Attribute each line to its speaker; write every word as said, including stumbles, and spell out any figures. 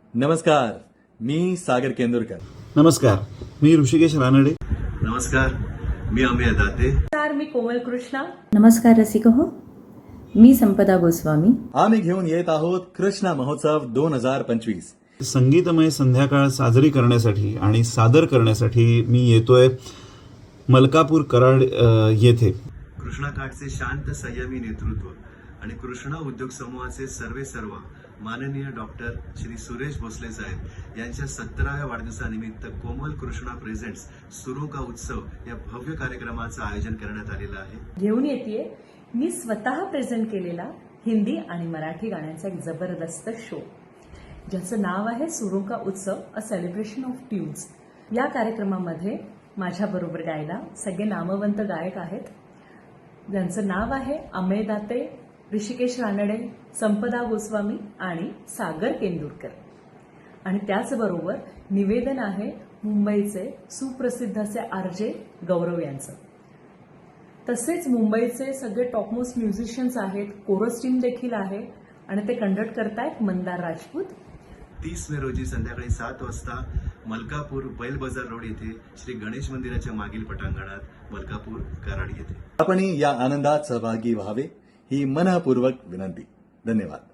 Speaker 1: नमस्कार, मी सागर केंदुरकर.
Speaker 2: नमस्कार, मी ऋषिकेश रानडे.
Speaker 3: नमस्कार, मी अमेय दाते.
Speaker 4: नमस्कार, मी कोमल कृष्णा.
Speaker 5: नमस्कार रसिक हो, मी संपदा गोस्वामी.
Speaker 1: आम्ही घेऊन येत आहोत कृष्णा महोत्सव दोन हजार पंचवीस.
Speaker 2: संगीतमय संध्याकाळ साजरी करण्यासाठी आणि सादर करण्यासाठी मी येतोय मलकापूर कराड अ, येथे.
Speaker 3: कृष्णाकाठचे शांत संयमी नेतृत्व आणि कृष्णा उद्योग समूहाचे सर्वे सर्व माननीय डॉक्टर श्री सुरेश भोसले साहेब यांच्या सत्तराव्या वाढदिवसानिमित्त कोमल कृष्णा प्रेझेंट्स सुरू का उत्सव या भव्य कार्यक्रमाचं आयोजन करण्यात आलेलं आहे.
Speaker 4: घेऊन येते मी स्वतः प्रेझेंट केलेला हिंदी आणि मराठी गाण्यांचा एक जबरदस्त शो, ज्याचं नाव आहे सुरू का उत्सव, अ सेलिब्रेशन ऑफ ट्यून्स. या कार्यक्रमामध्ये माझ्याबरोबर गायला सगळे नामवंत गायक आहेत, ज्यांचं नाव आहे अमेय दाते, ऋषिकेश रानडे, संपदा गोस्वामी आणि सागर केंदुरकर. आणि त्याचबरोबर निवेदन आहे मुंबईचे सुप्रसिद्ध असे आरजे गौरव यांचं. तसेच मुंबईचे सगळे टॉपमोस्ट म्युझिशियन्स आहेत, कोरस टीम देखील आहे आणि ते कंडक्ट करतायत मंदार राजपूत.
Speaker 3: तीस मे रोजी संध्याकाळी सात वाजता मलकापूर बैल बाजार रोड येथे श्री गणेश मंदिराच्या मागील पटांगणात मलकापूर कराड येथे
Speaker 1: आपणही या आनंदात सहभागी व्हावे ही मनःपूर्वक विनंती. धन्यवाद.